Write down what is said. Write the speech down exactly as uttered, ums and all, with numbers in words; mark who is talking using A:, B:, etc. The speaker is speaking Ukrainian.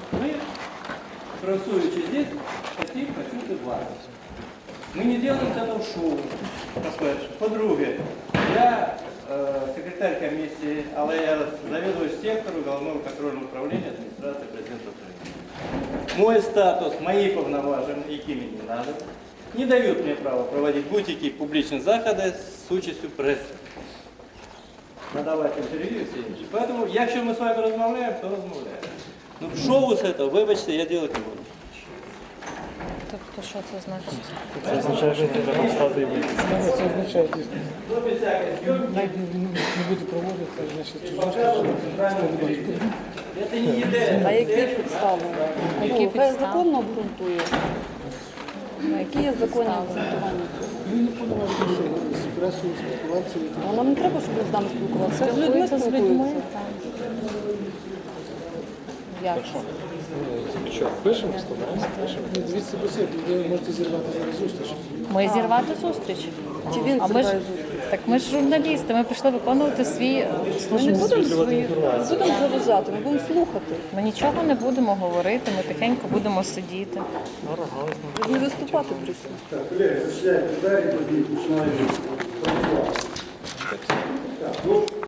A: Мы, красуючи здесь, хотим почути вас. Мы не делаем из этого шоу, по-перше. По-друге, я э, секретарь комиссии, але я заведующий сектору Головного контрольного управления администрации президента Украины. Мой статус, мои повноважения, які мені не надо, не дают мне права проводить будь-які публічні заходи з участю преси. Надавати інтерв'ю і все інше. Поэтому, якщо ми з вами розмовляємо, то розмовляємо. Ну, шоу з цього, вибачте, я делать не буду.
B: Тобто, що це значить?
C: Це означає, що ти треба встати і вийти.
D: Це означає дійсно.
A: Ну, без всякої зйомки.
D: Навіть не буде проводити, значить,
A: Це не ідея.
E: А які підстави?
B: Які
E: Ну, хай
B: підстави?
E: законно обґрунтує. Ну, які є законні обґрунтування?
D: Він не повноважується з пресою спілкуватися.
E: Ну, нам не треба, щоб з нами спілкуватися. З людьми
B: Спілкується з людьми.
E: спілкуються. Як?
D: Що, пишемо, складаємося, пишемо. Дивіться по себе, ви можете зірвати зараз зустріч.
B: Ми зірвати зустріч.
E: Чи він
B: А ми ж,
E: зриває зустріч?
B: так ми ж журналісти, ми прийшли виконувати свій
E: Ми не
B: службу.
E: будемо свої, не будемо заважати, ми будемо слухати.
B: Ми нічого не будемо говорити, ми тихенько будемо сидіти.
E: Ви ж не виступати прийшли.
F: Так, колеги, зачиняйте двері, тоді починаємо працювати.